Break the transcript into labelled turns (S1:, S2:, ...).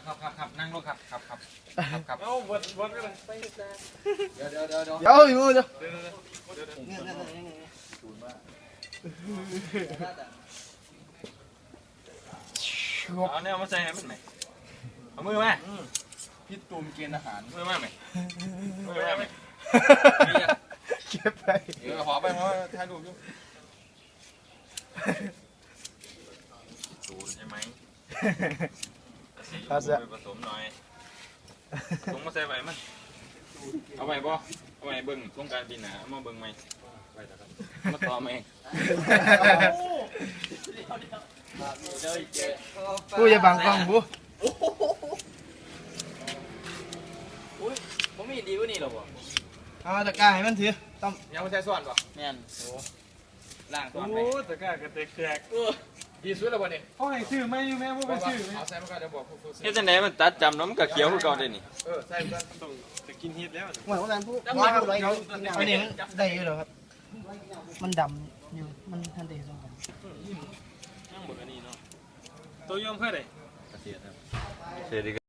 S1: ครับนั่งลงครับ
S2: เอาวนกันเลยเดี๋ยว
S3: อยู่เดี๋ยว
S1: เอาเนี่ยมาใส่ให้มันไหมเอามือมา
S2: พี่ตูมเกณฑ์อาหาร
S1: มือมาไหมมือมาไหม
S3: เก็บไป
S2: ขอไปเพราะถ่ายรูปอยู่
S1: สูตรใช่ไหม
S3: เอาเสีย
S1: ผสมหน่อยลงมาใส่ใบมันเอาใบบ่เอาใบเบิ้งต้องการปีหนาเอามาเบิ้งไหมมาต่อไหม
S3: กูจะบังกล้องกู
S4: ผมมีดีกว่านี่หรอวะ
S3: เอาตะกร้าให้มันถือต้อง
S2: ยังไม่ใช่ส่วนป่ะ
S4: แม่นล่างก่
S2: โอ้
S4: อน
S2: โห
S4: ไป
S2: ตะกร้ากระเตกแตกดีสุดแล้ววันนี้
S3: เขาให้ชื่อไม่แม่พวกเป็นชื่อ
S2: เอาใส่มาก่อนเดี๋ยวบอกผู้ซื้อ
S1: เฮ็ดจังไดมันตัดจำน้ำกับเขียวคือเก่าได้นี่
S2: ใส่กันต้องจะกินฮิตแล้ว
S3: เหมือนว่านั้นผู้ว่าครับอันนี้มันได้อยู่เหรอครับ มันดำอยู่มันทันเดส่งกัน
S2: นั่งหมดอันนี้เนาะตัวยอมเพื่ออะไร
S1: เสียดี